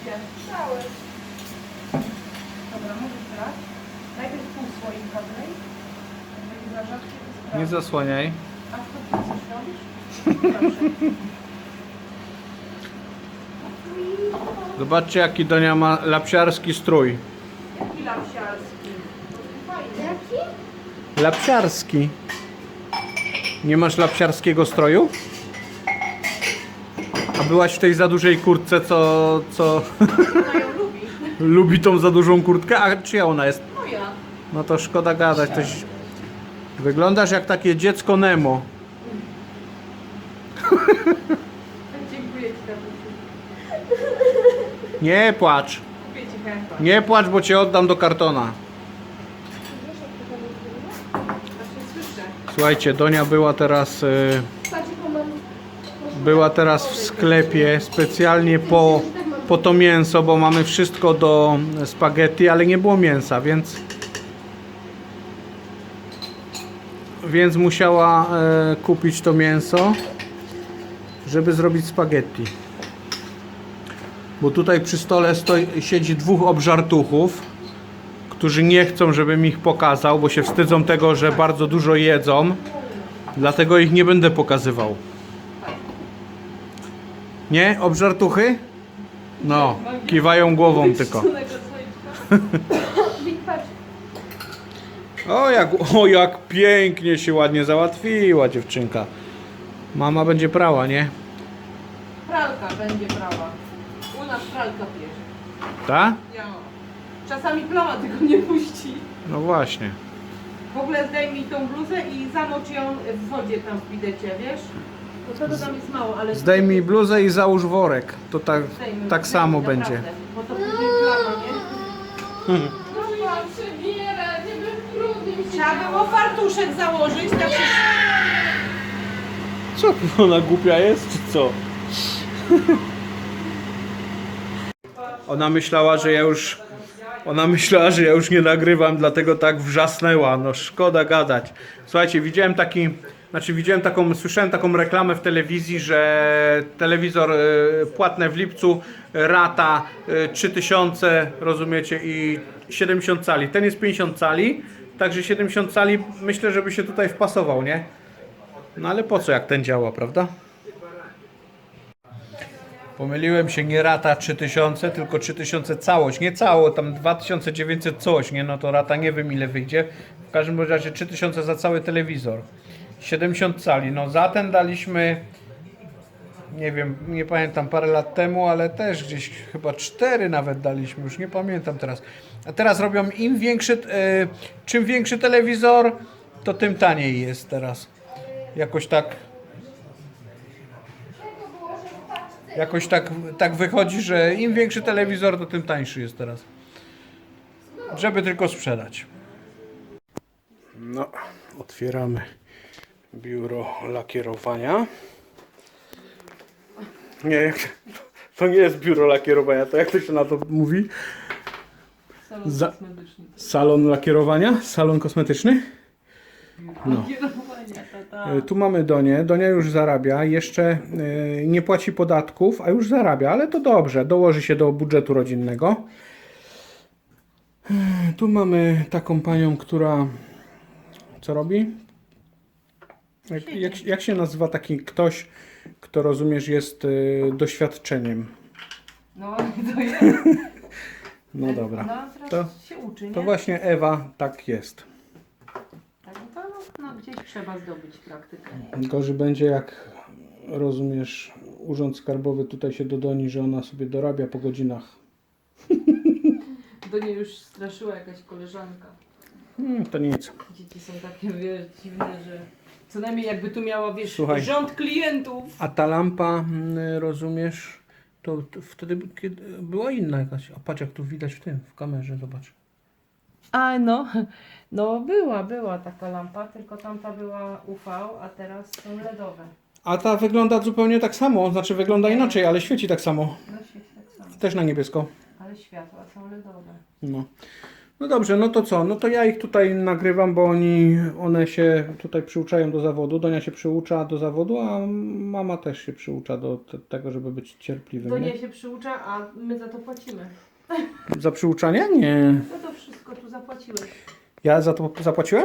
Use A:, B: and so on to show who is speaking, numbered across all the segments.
A: się. Cały. Dobra, możesz brać. Najpierw pół słoika wlej. Jak będzie za rzadkie, to sprawdź.
B: Nie zasłaniaj.
A: A co ty coś robisz? Proszę.
B: Zobaczcie, jaki Donia ma lapsiarski strój.
A: Jaki lapsiarski. Fajny.
C: Jaki?
B: Lapsiarski. Nie masz lapsiarskiego stroju? A byłaś w tej za dużej kurtce, co
A: Ona ją lubi.
B: lubi tą za dużą kurtkę? A czyja ona jest?
A: Moja.
B: No to szkoda gadać. Coś... Wyglądasz jak takie dziecko Nemo.
A: Dziękuję ci, Dabusiu.
B: Nie płacz.
A: Kupię ci chętnie.
B: Nie płacz, bo cię oddam do kartona.
A: Właśnie słyszę.
B: Słuchajcie, Donia była teraz...
C: Patrz, jaką mam...
B: Była teraz w sklepie specjalnie po to mięso, bo mamy wszystko do spaghetti, ale nie było mięsa, więc musiała kupić to mięso, żeby zrobić spaghetti. Bo tutaj przy stole siedzi dwóch obżartuchów, którzy nie chcą, żebym ich pokazał, bo się wstydzą tego, że bardzo dużo jedzą. Dlatego ich nie będę pokazywał. Nie? Obżartuchy? No, kiwają głową tylko.
C: Patrz,
B: O jak pięknie się ładnie załatwiła dziewczynka. Mama będzie prała, nie?
A: Pralka będzie brała. U nas pralka bierze.
B: Ta?
A: Ja. Czasami plama tego nie puści.
B: No właśnie.
A: W ogóle zdejmij tą bluzę i zanocz ją w wodzie tam w bidecie, wiesz? Bo to tam jest mało, ale...
B: Zdejmij bluzę i załóż worek. To tak
A: Zdejmij,
B: samo
A: naprawdę,
B: będzie.
A: Bo to później plama, nie?
C: no mam przebierać, żeby w grudniu się
A: Trzeba było fartuszek założyć, tak się...
B: Co? Ona głupia jest, czy co? Ona myślała, że ja już nie nagrywam, dlatego tak wrzasnęła. No szkoda gadać. Słuchajcie, słyszałem taką reklamę w telewizji, że telewizor płatny w lipcu, rata 3000, rozumiecie, i 70 cali. Ten jest 50 cali, także 70 cali myślę, żeby się tutaj wpasował, nie? No ale po co, jak ten działa, prawda? Pomyliłem się, nie rata 3000, tylko 3000 całość. Nie cało, tam 2900 coś, nie? No to rata nie wiem ile wyjdzie. W każdym razie 3000 za cały telewizor. 70 cali. No za ten daliśmy, nie wiem, nie pamiętam, parę lat temu, ale też gdzieś chyba 4 nawet daliśmy, już nie pamiętam teraz. A teraz robią czym większy telewizor, to tym taniej jest teraz. Jakoś tak wychodzi, że im większy telewizor, to tym tańszy jest teraz. Żeby tylko sprzedać. No, otwieramy biuro lakierowania. Nie, to nie jest biuro lakierowania, to jak to się na to mówi?
A: Salon
B: Za-
A: kosmetyczny.
B: Salon lakierowania? Salon kosmetyczny? No.
A: Kierowania, tata.
B: Tu mamy Donię. Donia już zarabia. Jeszcze nie płaci podatków, a już zarabia, ale to dobrze. Dołoży się do budżetu rodzinnego. Tu mamy taką panią, która co robi? Jak się nazywa taki ktoś, kto rozumiesz jest doświadczeniem?
A: No, to jest.
B: No dobra.
A: No, teraz
B: To-
A: się uczy, nie?
B: To właśnie Ewa tak jest.
A: Tak, no, gdzieś trzeba zdobyć praktykę.
B: Gorzej będzie, jak rozumiesz, Urząd Skarbowy tutaj się dodoni, że ona sobie dorabia po godzinach.
A: Do niej już straszyła jakaś koleżanka.
B: To nic.
A: Dzieci są takie, wiesz, dziwne, że co najmniej jakby tu miała, wiesz,
B: Słuchaj.
A: rząd klientów.
B: A ta lampa, rozumiesz, to wtedy kiedy była inna jakaś. A patrz, jak tu widać w kamerze, zobacz.
A: A no była taka lampa, tylko tamta była UV, a teraz są LEDowe.
B: A ta wygląda zupełnie tak samo, znaczy wygląda inaczej, ale świeci tak samo.
A: No świeci tak samo,
B: Też na niebiesko.
A: ale światła są LEDowe.
B: No. No dobrze, no to co? No to ja ich tutaj nagrywam, bo one się tutaj przyuczają do zawodu. Donia się przyucza do zawodu, a mama też się przyucza do tego, żeby być cierpliwym.
A: To
B: Nie?
A: nie się przyucza, a my za to płacimy.
B: Za przyuczanie? Nie.
A: No to wszystko tu zapłaciłeś.
B: Ja za to zapłaciłem?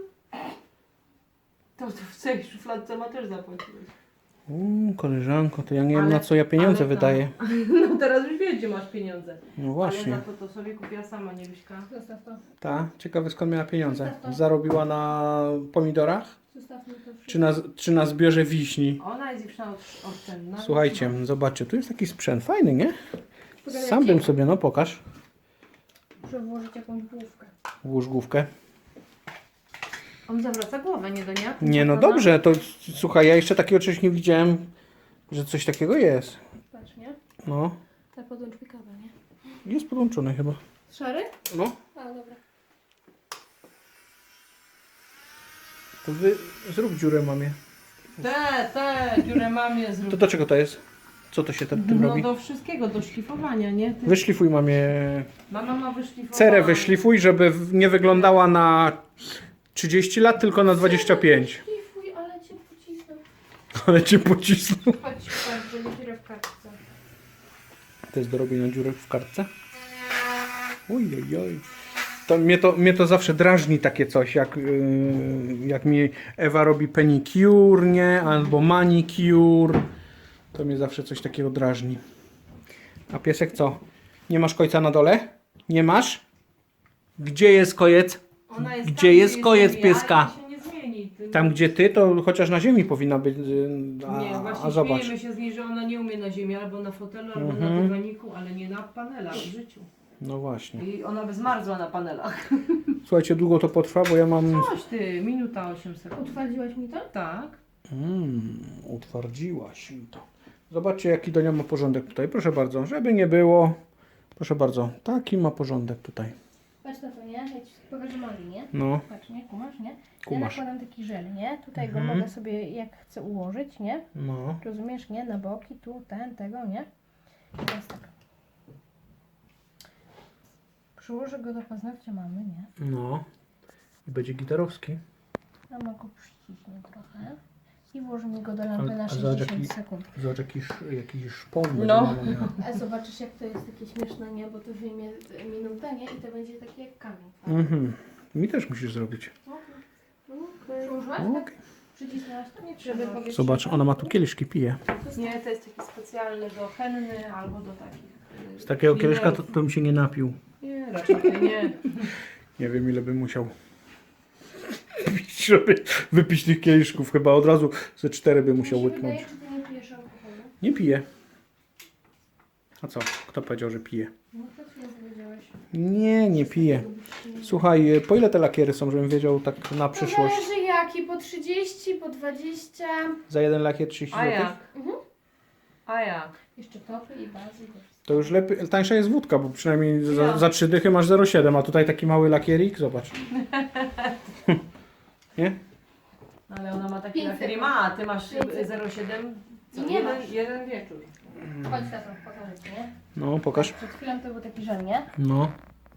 A: To w tej szufladce ma też zapłaciłeś.
B: Koleżanko, to ja nie wiem,
A: Ale-
B: na co ja pieniądze
A: ale to-
B: wydaję.
A: No teraz już wiesz, gdzie masz pieniądze.
B: No
A: Ale
B: właśnie.
A: za to sobie kupiła sama, nie Wiśka.
C: Zostaw to.
B: Ta, ciekawe skąd miała pieniądze.
C: Zostaw to.
B: Zarobiła na pomidorach?
C: Zostawmy to wszystko.
B: Czy na zbiorze wiśni?
A: Ona jest dziewczyna oszczędna.
B: Słuchajcie, zobaczcie, tu jest taki sprzęt fajny, nie?
C: Pogadajcie.
B: Sam bym sobie, no pokaż.
C: Muszę włożyć jakąś główkę.
B: Włóż główkę.
A: On zawraca głowę, nie Donia?
B: Nie, no dobrze, to słuchaj, ja jeszcze takiego czegoś nie widziałem, że coś takiego jest.
C: Patrz, nie?
B: No,
C: Ta podłącz mi kawę, nie?
B: jest podłączony chyba.
C: Szary?
B: No,
C: A, dobra.
B: to zrób dziurę mamie.
A: Te, dziurę mamie zrób.
B: To do czego to jest? Co to się tym
A: No
B: robi?
A: do wszystkiego, do szlifowania, nie? Ty...
B: Wyszlifuj mamie,
A: Mama ma wyszlifować.
B: cerę wyszlifuj, żeby nie wyglądała na 30 lat, tylko na 25.
C: Szlifuj, ale cię pocisnę.
B: Ale cię pocisnął.
C: Chodź, patrz, będzie dziurę w kartce.
B: To jest do robienia dziurek w kartce? Oj. To mnie to zawsze drażni takie coś, jak mi Ewa robi pedicure, nie? Albo manicure. To mnie zawsze coś takiego drażni. A piesek co? Nie masz kojca na dole? Nie masz? Gdzie jest kojec?
A: Ona jest
B: Gdzie
A: tam,
B: jest kojec
A: jestem ja,
B: pieska?
A: i się nie zmieni. Ty...
B: Tam gdzie ty, to chociaż na ziemi powinna być.
A: Nie, właśnie
B: A zobacz.
A: śmiejemy się z niej, że ona nie umie na ziemi, albo na fotelu, albo na dywaniku, ale nie na panelach w życiu.
B: No właśnie.
A: I ona by zmarzła na panelach.
B: Słuchajcie, długo to potrwa, bo ja mam...
A: Coś ty, minuta 8 sekund.
C: Utwardziłaś mi to?
A: Tak.
B: Utwardziłaś mi to. Zobaczcie, jaki Donia ma porządek tutaj. Proszę bardzo, żeby nie było. Proszę bardzo, taki ma porządek tutaj.
C: Patrz na to, nie? Ja ci pokażę nogi, nie?
B: No,
C: Patrz, nie? Kumasz, nie?
B: Kumasz.
C: Ja nakładam taki żel, nie? Tutaj go mogę sobie jak chcę ułożyć, nie?
B: no.
C: Rozumiesz, nie? Na boki, tu, tego, nie? I teraz tak. Przyłożę go do paznokcia mamy, nie?
B: No. I będzie gitarowski.
C: Mama go przyciśnie trochę. I włoży mi go do lampy na
B: A zobacz,
C: 60 sekund.
B: Zobacz, jakiś szpon będzie
A: No.
B: mama miała.
C: A zobaczysz jak to jest takie śmieszne, nie? Bo to wyjmie minutę, nie? I to będzie takie jak kamień.
B: Mhm. Mi też musisz zrobić.
C: Przyłożyłaś?
B: Okej.
C: Tak? Przycisnęłaś to? Nie żeby powietrze.
B: Zobacz, ona ma tu kieliszki, pije.
A: Nie, to jest taki specjalny do henny albo do takich.
B: Z takiego
A: liderów.
B: kieliszka to bym się nie napił.
A: Nie, raczej nie.
B: Nie wiem, ile bym musiał pić, żeby wypić tych kieliszków. Chyba od razu ze 4 bym musiał
C: Mi się
B: łyknąć.
C: wydaje, czy ty nie pijesz alkoholu?
B: Nie piję. A co? Kto powiedział, że pije?
C: No to co powiedziałeś?
B: Nie piję. Słuchaj, po ile te lakiery są, żebym wiedział tak na
C: To
B: przyszłość?
C: zależy jaki, po 30, po 20.
B: Za jeden lakier 30
A: A
B: zł?
A: jak?
C: Mhm.
A: A jak?
C: Jeszcze topy i bazy. i to wszystko.
B: To już lepiej, tańsza jest wódka, bo przynajmniej
A: Ja.
B: za 3 dychy masz 0,7, a tutaj taki mały lakierik, zobacz. Nie?
A: Ale ona ma taki
C: 500.
A: lakier i ma, a ty masz
C: 500.
A: 0,7. Co?
C: Nie masz.
A: Jeden wieczór.
C: Chodź tato, pokażę ci, nie?
B: No, pokaż.
C: Przed chwilą to był taki żel, nie?
B: No.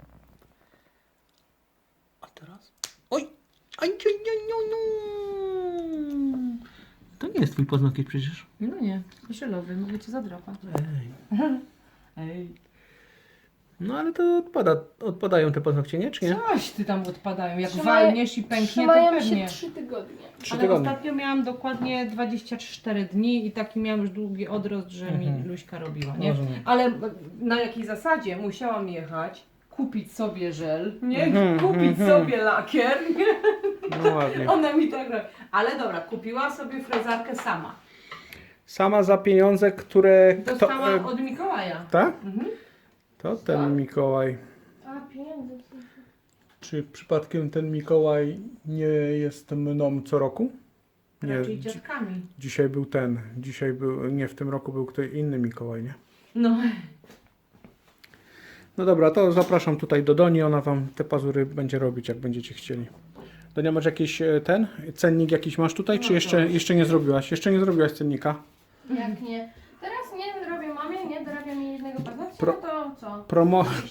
B: A teraz? Oj! Aj, aj, aj, aj, aj. To nie jest twój paznokieć przecież.
A: No nie, żelowy, mogę cię zadrapać.
B: Ej.
A: Ej.
B: No ale to odpadają te paznokcie, nie? Czy nie?
A: Coś ty tam odpadają. Jak
C: Trzymają-
A: walniesz i pęknie, to
C: Trzymają
A: pewnie.
C: się 3 tygodnie.
B: 3
A: Ale
B: tygodnie.
A: ostatnio miałam dokładnie 24 dni i taki miałam już długi odrost, że mi Luśka robiła, nie?
B: Rozumiem.
A: Ale na jakiej zasadzie? Musiałam jechać, kupić sobie żel, nie?
B: Mhm,
A: Kupić sobie lakier, nie?
B: No ładnie.
A: Ona mi tak robi. Ale dobra, kupiła sobie frezarkę sama.
B: Sama za pieniądze, które...
A: Dostała od Mikołaja.
B: Tak?
A: Mhm.
B: To ten Mikołaj.
C: A, pieniądze.
B: Czy przypadkiem ten Mikołaj nie jest mną co roku? Nie,
A: Raczej dziadkami.
B: dzisiaj był ten. Dzisiaj był, nie, w tym roku był ktoś inny Mikołaj, nie?
A: No.
B: No dobra, to zapraszam tutaj do Doni, ona wam te pazury będzie robić, jak będziecie chcieli. Donia, masz jakiś cennik jakiś masz tutaj, czy
A: No
B: jeszcze nie zrobiłaś? Jeszcze nie zrobiłaś cennika?
C: Jak nie? Teraz nie robię mamie, nie dorabiam jej jednego paznokcia,
B: Pro-
C: no to co?
B: Promo
C: 30.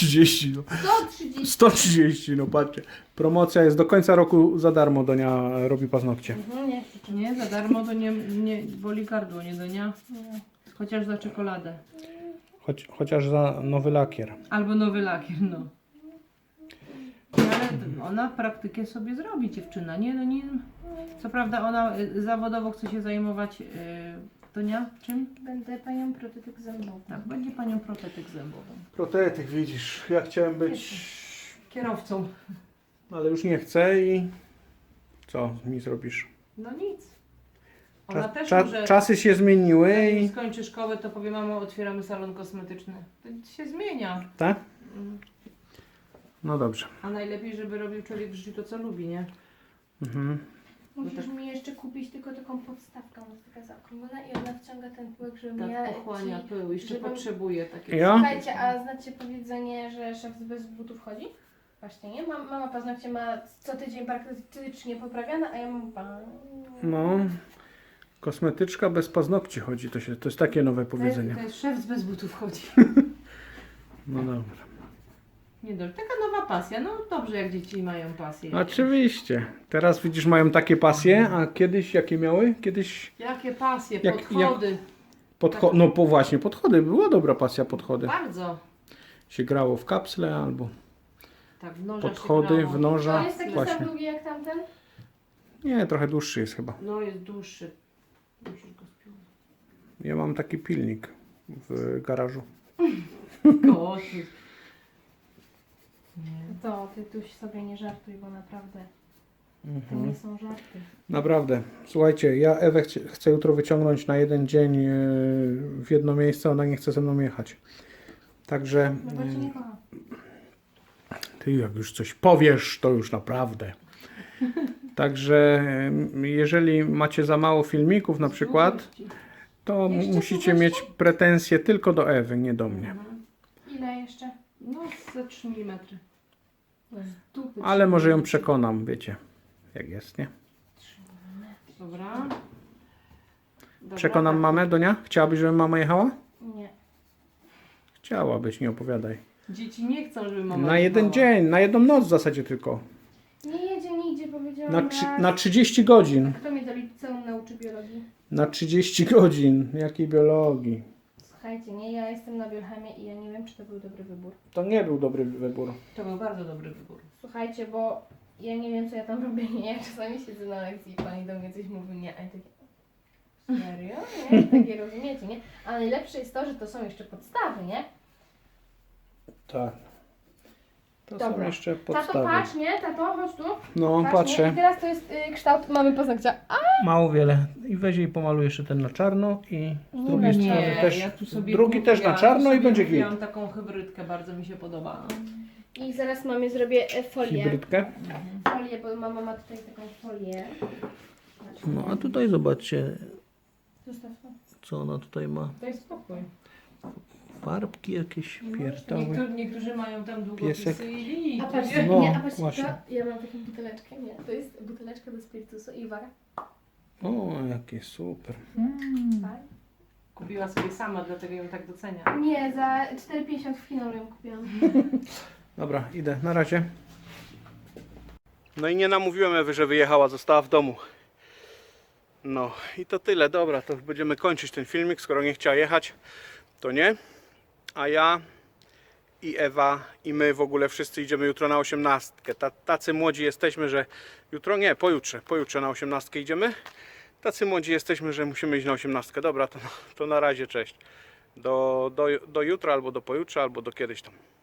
B: 130, no.
C: 130.
B: 130, no patrzcie. Promocja jest do końca roku za darmo, Donia robi paznokcie.
C: Nie,
A: Nie, za darmo to nie boli gardło, nie Donia?
C: nie.
A: Chociaż za czekoladę.
B: Chociaż za nowy lakier.
A: Albo nowy lakier, no. No, ale ona praktykę sobie zrobi, dziewczyna, nie? No nie. Co prawda ona zawodowo chce się zajmować, Donia, czym?
C: Będę panią protetyk zębową.
A: Tak, będzie panią protetyk zębową.
B: Protetyk, widzisz, ja chciałem być,
A: Kierowcą.
B: ale już nie chcę i co mi zrobisz?
A: No nic. Ona też może,
B: Czasy się zmieniły
A: zanim
B: i...
A: skończy szkołę, to powie, mamo, otwieramy salon kosmetyczny. To się zmienia.
B: Tak?
A: Mm.
B: No dobrze.
A: A najlepiej, żeby robił człowiek w życiu to, co lubi, nie?
B: Mhm.
C: Musisz mi jeszcze kupić tylko taką podstawkę, ona jest taka zaokrąglona i ona wciąga ten pyłek, żebym
A: Tak
C: ja
A: pochłania
C: ci...
A: pył, jeszcze
C: żebym-
A: potrzebuje takiego.
B: Ja?
C: Słuchajcie, a znacie powiedzenie, że szef bez butów chodzi? Właśnie, nie? Mama paznokcie ma co tydzień praktycznie poprawiane, a ja mam
B: No. Kosmetyczka bez paznokci chodzi, to jest takie nowe powiedzenie.
A: To jest szef bez butów chodzi.
B: No dobra.
A: Nie dobrze. Taka nowa pasja. No dobrze, jak dzieci mają pasję.
B: Oczywiście. Teraz widzisz, mają takie pasje, a kiedyś jakie miały? Kiedyś
A: Jakie pasje,
B: Jak-
A: podchody.
B: no właśnie, podchody. Była dobra pasja podchody.
A: Bardzo.
B: Się grało w kapsle albo
A: Tak, w nożach
B: podchody,
A: się grało.
B: w noża.
C: To jest taki
B: Właśnie.
C: sam długi jak tamten?
B: Nie, trochę dłuższy jest chyba.
A: No jest dłuższy. Musisz go spiąć.
B: Ja mam taki pilnik w garażu.
A: Koty. Nie.
C: To ty tu sobie nie żartuj, bo naprawdę to nie są żarty.
B: Naprawdę. Słuchajcie, ja Ewę chcę jutro wyciągnąć na jeden dzień w jedno miejsce, ona nie chce ze mną jechać. Także
C: No bo cię nie kocha.
B: ty jak już coś powiesz, to już naprawdę. Także jeżeli macie za mało filmików na przykład, to
C: Jeszcze
B: musicie
C: słuchacie?
B: mieć pretensje tylko do Ewy, nie do mnie.
C: Ile jeszcze?
A: No ze 3 mm.
C: No z dupy.
B: Ale może ją przekonam, wiecie, jak jest, nie?
A: Dobra. Dobra,
B: Przekonam
A: tak.
B: mamę, Donia? Chciałabyś, żeby mama jechała?
C: Nie.
B: Chciałabyś, nie opowiadaj.
A: Dzieci nie chcą, żeby mama
B: Na jeden
A: jechała.
B: dzień, na jedną noc w zasadzie tylko.
C: Nie jedzie nigdzie, powiedziałam raz.
B: Na 30 godzin.
C: Kto mnie do liceum nauczy biologii?
B: Na 30 godzin. Jakiej biologii?
C: Słuchajcie, nie, ja jestem na biochemię i ja nie wiem, czy to był dobry wybór.
B: To nie był dobry wybór.
A: To był bardzo dobry wybór.
C: Słuchajcie, bo ja nie wiem, co ja tam robię, nie? Ja czasami siedzę na lekcji i pani do mnie coś mówi, nie? A ja takie, serio? Nie? Takie rozumiecie, nie? A najlepsze jest to, że to są jeszcze podstawy, nie?
B: Tak. To są
C: Dobra.
B: jeszcze
C: Tato,
B: podstawy.
C: patrz, nie? Tato, chodź tu.
B: No,
C: Patrz, nie? I
B: patrzę.
C: teraz to jest kształt mamy paznokcia.
B: Mało wiele. I weź jej pomaluj jeszcze ten na czarno i z drugiej
C: nie,
B: strony też.
A: ja tu sobie
B: Drugi też na czarno i będzie git.
A: Mam taką hybrydkę, bardzo mi się podoba.
C: I zaraz mamie zrobię folię.
B: Hybrydkę.
C: Folię, bo mama ma tutaj taką folię.
B: No a tutaj zobaczcie,
C: Zostaw to.
B: co ona tutaj ma.
A: Daj spokój.
B: Farbki jakieś pierdoły.
A: Niektórzy mają tam
B: Piesek.
A: długopisy i linii.
C: A patrz,
B: No,
C: nie, a patrz,
B: właśnie.
C: to, ja mam taką buteleczkę, nie, to jest buteleczka do spirytusu i uwaga,
B: O, jakie super.
C: tak.
A: Kupiła sobie sama, dlatego ją tak docenia.
C: Nie, za 4,50 w Chinoru ją kupiłam.
B: Dobra, idę. Na razie. No i nie namówiłem Ewy, że wyjechała, została w domu. No i to tyle. Dobra, to już będziemy kończyć ten filmik. Skoro nie chciała jechać, to nie. A ja i Ewa i my w ogóle wszyscy idziemy jutro na 18. Tacy młodzi jesteśmy, że jutro nie, pojutrze na 18 idziemy. Tacy młodzi jesteśmy, że musimy iść na 18. Dobra, to na razie, cześć. Do jutra, albo do pojutrze, albo do kiedyś tam.